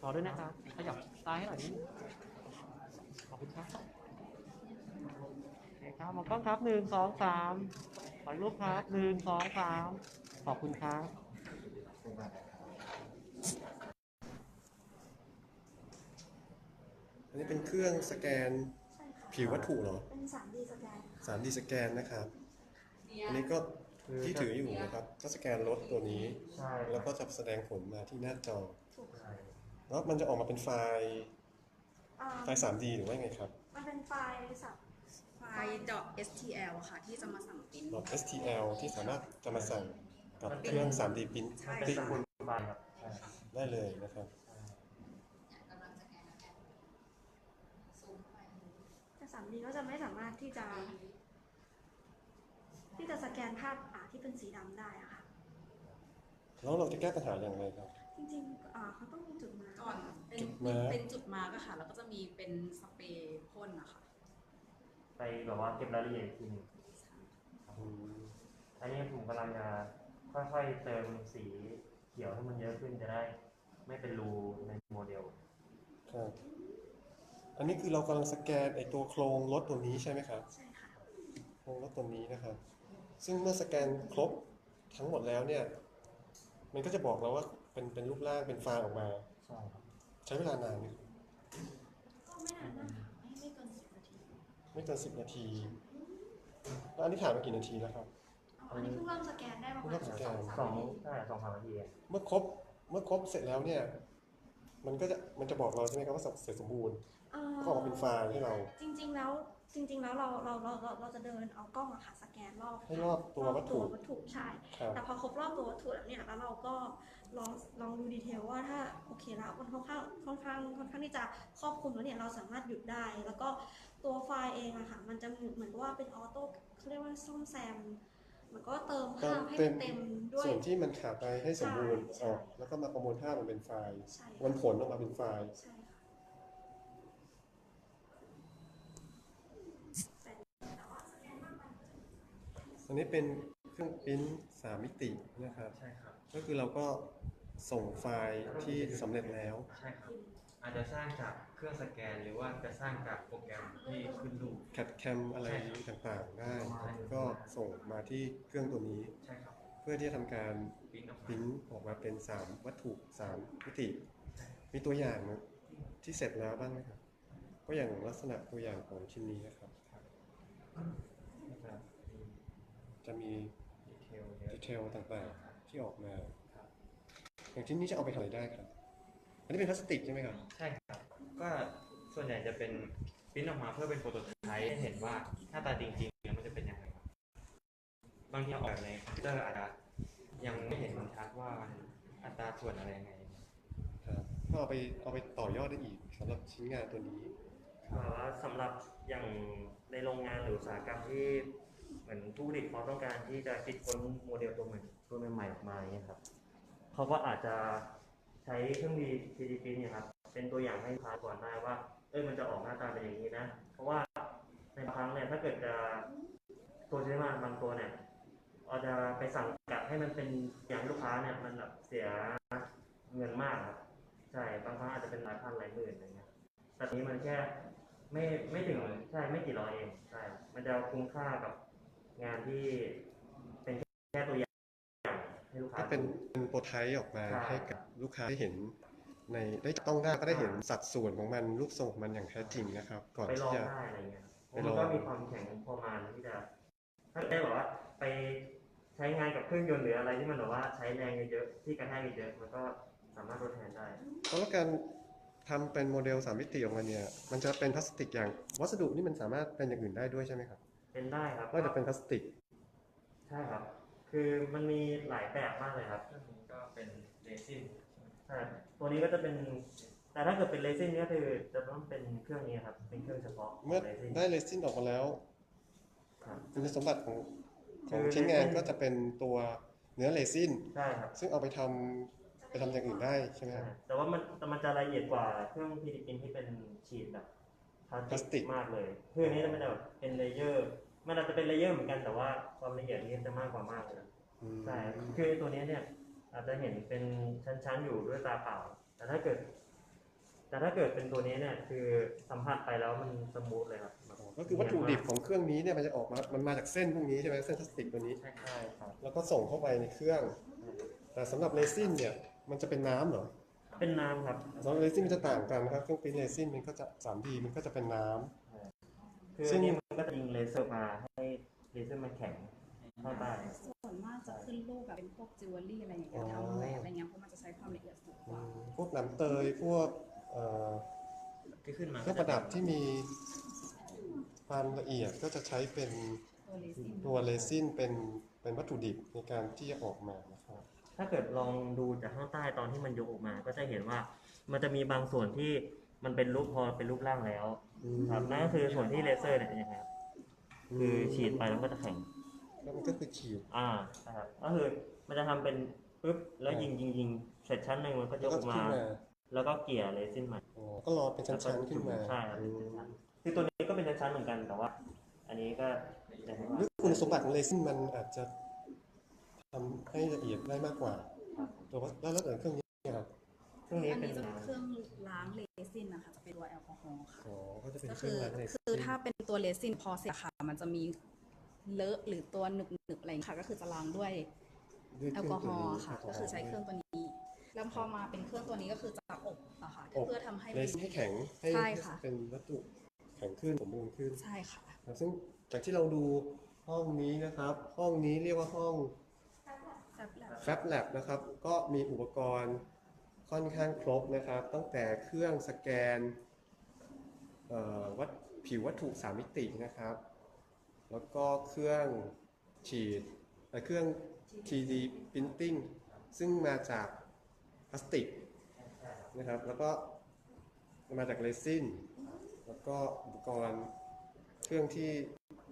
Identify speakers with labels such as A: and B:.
A: อด้วยนะครับขยับซ้ายให้หน่อยนิดนึงขอบคุณครับโอเคครับมองกล้องครับ1 2 3ขอรูปครับ1 2 3ขอบคุณครับ
B: อันนี้เป็นเครื่องสแกนผิววัตถุเหรอ
C: เป็น 3D สแกน
B: 3D สแกนนะครับอันนี้ก็ที่ถืออยู่นะครับก็สแกนรถตัวนี้แล้วก็จะแสดงผลมาที่หน้าจอแล้วมันจะออกมาเป็นไฟล์ 3D หรือว่าไงครับ
C: มันเป็นไฟล์
D: ไฟล์ .stl ค่ะที่จะมาสั่งปริ้น
B: .stl ที่สามารถจะมาสั่งกับเครื่อง 3D พิมพ์
D: ใช่
A: เป็นคุณบายครับ
B: ได้เลยนะครับ
C: แต่ 3D ก็จะไม่สามารถที่จะสแกนภาพที่เป็นสีดำได้อะค่ะ
B: แล้วเราจะแก้ปัญหาอย่างไรครับ
C: จริงๆเขาต้องมีจุดมาร์ก
D: ก่อนเป็นจุดมาร์กอะค่ะแล้วก็จะมีเป็นสเปรย์พ่นนะคะ
A: ไปแบบว่าเก็บรายละเอียดทีนึงอันนี้ผมกำลังจะค่อยๆเติมสีเขียวให้มันเยอะขึ้นจะได้ไม่เป็นรูในโมเดล
B: ครับอันนี้คือเรากำลังสแกนไอตัวโครงรถตัวนี้ใช่ไหมครับ
C: ใช่ค่ะ
B: โครงรถตัวนี้นะครับซึ่งเมื่อสแกนครบทั้งหมดแล้วเนี่ยมันก็จะบอกเราว่าเป็นรูปร่างเป็นไฟล์ออกมา
A: ใช่ครับ
B: ใช้เวลานานไหม
C: ก็ไม่นานนะคะไม่เกิน10 นาที
B: ไม่เกิน10 นาทีแล้วอันนี้ถ่ายมากี่นาทีแล้วครับ
C: อันนี้เพิ่งเริ่มสแกนได้ประมาณ2-3 นาที
A: 2-3 นาที
B: เมื่อครบเสร็จแล้วเนี่ยมันจะบอกเราใช่ไหมครับว่าเสร็จสมบูรณ์ก็ออกมาเป็นไฟล์ให้เรา
C: จริงๆแล้วเราจะเดินเอากล้องสแกน
B: ให้รอบตัววัตถุ
C: ใช่แต่พอครบรอบตัววัตถุแล้วเนี่ยแล้วเราก็ลองดูดีเทลว่าถ้าโอเคแล้วมันค่อนข้างที่จะครอบคลุมแล้วเนี่ยเราสามารถหยุดได้แล้วก็ตัวไฟล์เองมันจะเหมือนว่าเป็นออโต้เขาเรียกว่าซ่อมแซมมันก็เติมภาพให้เต็มด้วย
B: ส่วนที่มันขาดไปให้สมบูรณ์ออกแล้วก็มาประมวลภาพมันเป็นไฟล์วันผลออกมาเป็นไฟล์อันนี้เป็นเครื่องพิมพ์3 มิตินะครับ
A: ใช่ครับ
B: ก็คือเราก็ส่งไฟล์ที่สำเร็จแล้ว
A: ใช่ครับอาจจะสร้างจากเครื่องสแกนหรือว่าจะสร้างจากโปรแกรมที่ขึ้นรูป
B: แคดแคมอะไรต่างๆได้ก็ส่งมาที่เครื่องตัวนี้เพื่อที่จะทำการพิมพ์ออกมาเป็น3 วัตถุ 3 มิติมีตัวอย่างที่เสร็จแล้วบ้างไหมครับก็อย่างลักษณะตัวอย่างของชิ้นนี้นะครับจะมีดีเทลต่างๆที่ออกมาอย่างชิ้นนี้จะเอาไปทำอะไรได้ครับอันนี้เป็นพลาสติกใช่ไหมครับ
A: ใช่ครับก็ส่วนใหญ่จะเป็นพิมพ์ออกมาเพื่อเป็นโปรโตไทป์ให้เห็นว่าหน้าตาจริงๆแล้วมันจะเป็นยังไงครับบางทีออกแบบในคอมพิวเตอร์อาจจะยังไม่เห็นมันชัดว่ามันอัตราส่วนอะไรยังไง
B: ครับก็เอาไปต่อยอดได้อีกสำหรับชิ้นงานตัวนี้
A: สำหรับอย่างในโรงงานหรืออุตสาหกรรมที่เหมือนผู้ผลิตเขาต้องการที่จะคิดค้นโมเดลตัวใหม่ออกมาอย่างนี้ครับเขาก็อาจจะใช้เครื่อง 3D print เนี่ยครับเป็นตัวอย่างให้ลูกค้าก่อนได้ว่ามันจะออกหน้าตาเป็นอย่างนี้นะเพราะว่าในบางครั้งเนี่ยถ้าเกิดจะตัวใช้งานบางตัวเนี่ยเราจะไปสั่งกัดให้มันเป็นอย่างลูกค้าเนี่ยมันแบบเสียเงินมากครับใช่บางครั้งอาจจะเป็นหลายพันหลายหมื่นอะไรเงี้ยแต่นี้มันแค่ไม่ถึงใช่ไม่กี่ร้อยเองใช่มันจะคุ้มค่ากับงานที่เป็นแค่ตัวอย่างให้ลูกค้า
B: ก็เป็นโปรไทป์ออกมาให้กับลูกค้าได้เห็นในได้ต้องได้ก็ได้เห็นสัดส่วนของมันรูปทรงของมันอย่างแท้จริงนะครับก่อนที่จะ
A: ได้อะไรเงี้ยมันก็มีความแข็งพอมาที่จะถ้าได้แบบว่าไปใช้งานกับเครื่องยนต์หรืออะไรที่มันแบบว่าใช้แรงเยอะๆที่กระแทกเยอะมันก็สามารถทดแทนได้
B: แล้วการทำเป็นโมเดล3 มิติออกมาเนี่ยมันจะเป็นพลาสติกอย่างวัสดุนี่มันสามารถเป็นอย่างอื่นได้ด้วยใช่ไหมครับ
A: เป็นได้ครับ
B: ก็จะเป็นพลาสติก
A: ใช่ครับคือมันมีหลายแบบมากเลยครับตัวนี้ก็เป็นเรซินใช่ตัวนี้ก็จะเป็นแต่ถ้าเกิดเป็นเรซินนี่คือจะต้องเป็นเครื่องนี้ครับเป็นเครื่องเฉพาะ
B: เมื่อได้เรซินออกมาแล้วคุณสมบัติของชิ้นงานก็จะเป็นตัวเนื้อเรซิน
A: ใช่ครับ
B: ซึ่งเอาไปทำอย่างอื่นได้ใช่ไหมครับ
A: แต่ว่ามันจะละเอียดกว่าเครื่อง 3D print ที่เป็นฉีดแบบพลาสติกมากเลยเครื่องนี้จะแบบเป็นเลเยอร์มันอาจจะเป็นเลเยอร์เหมือนกันแต่ว่าความละเอียดนี้จะมากกว่ามากเลยใช่คือตัวนี้เนี่ยอาจจะเห็นเป็นชั้นๆอยู่ด้วยตาเปล่าแต่ถ้าเกิดแต่ถ้าเกิดเป็นตัวนี้เนี่ยคือสัมผัสไปแล้วมันสมูทเลยครับ
B: ก็คือวัตถุดิบของเครื่องนี้เนี่ยมันจะออกมา มันมาจากเส้นพวกนี้ใช่ไหมเส้นพลาสติกตัวนี้
A: ใช่ครับ
B: แล้วก็ส่งเข้าไปในเครื่อง แต่สำหรับเรซินเนี่ยมันจะเป็นน้ำเหรอ
A: เป็นน้ำครับ
B: สำหรับเรซินมันจะต่างกันนะครับเครื่องปริ้นเรซินมันก็จะ 3D มันก็จะเป็นน้ำ
A: คืออันนี้มันก็จะยิงเลเซอร์มาให้เลเซอร์มันแข็งเข้าใต้
D: ส่วนมากจะขึ้นรูปแบบเป็นพวกจิวเวลรี่อะไรอย่างเงี้ยทำแหวนอะไรเงี้ยเพราะมันจะใช้ความละเอียดสูงกว่า
B: พวกน้ำเตยพวก
A: ที่ขึ้นมา
B: เครื่องประดับที่มีความละเอียดก็จะใช้เป็น
D: ตัวเลซิน
B: ตัวเรซินเป็นวัตถุดิบในการที่จะออกมานะครับ
A: ถ้าเกิดลองดูจากข้างใต้ตอนที่มันยกออกมา ก็จะเห็นว่ามันจะมีบางส่วนที่มันเป็นรูปพอเป็นรูปร่างแล้วครับนั่นก็คือส่วนที่เลเซอร์เนี่ยเป็นยังไงครับคือฉีดไปแล้วก็จะแข็ง
B: แล้วมันก็คือขีด
A: นะครับก็คือมันจะทำเป็นปึ๊บแล้วยิงเสร็จชั้นหนึ่งมันก็ย
B: แล้ว
A: ก
B: ก็
A: ออกมา
B: ขึ้นมา
A: แล้วก็เกลี่ยเรซินใหม่
B: อ๋อก็รอเป็นชั้นๆขึ้นมา
A: ใช่ครับเป็นชั้นๆคือตัวนี้ก็เป็นชั้นๆเหมือนกันแต่ว่า อันนี้ก็จะเห็นว่า
B: หรือคุณสมบัติของเรซินมันอาจจะทำให้ละเอียดได้มากกว่าแต่ว่าแล้วเครื่องนี้ครับ
A: เครื่องนี้
D: อัน
A: เป็น
D: นี้จะเป็นเครื่องล้างเลซินนะคะจะเป็นตัวแอลกอฮอล์ค่ะ
B: อ๋อก็จะเป็น
D: ก็
B: เครื่
D: คือ อง
B: ล้างเรซิน
D: คือถ้าเป็นตัวเลซินพอเสร็จค่ะมันจะมีเลอะหรือตัวหนึบๆอะไรอย่างเงี้ยค่ะก็คือจะล้างด้วย
B: ด้วย
D: แอ
B: เค
D: ล
B: รื่
D: กอฮอล์ค่ะ
B: แล
D: ก็คือใช้เครื่องตัวนี้ แล้วพอมาเป็นเครื่องตัวนี้ก็คือจะอบอะค่ะ
B: อบ
D: เพื่อทำให้
B: เรซินให้แข็งให้
D: ใช่ค่ะ
B: เป็นวัตถุแข็งขึ้นสมบูรณ์ขึ้น
D: ใช่ค่ะ
B: นะซึ่งจากที่เราดูห้องนี้นะครับ ห้องนี้เรียกว่าห้อง Fab Lab นะครับ ก็มีอุปกรณ์ค่อนข้างครบนะครับ ตั้งแต่เครื่องสแกนผิววัตถุ 3 มิตินะครับ แล้วก็เครื่องฉีดเครื่อง 3D Printing ซึ่งมาจากพลาสติกนะครับ แล้วก็มาจากเรซิน แล้วก็อุปกรณ์เครื่องที่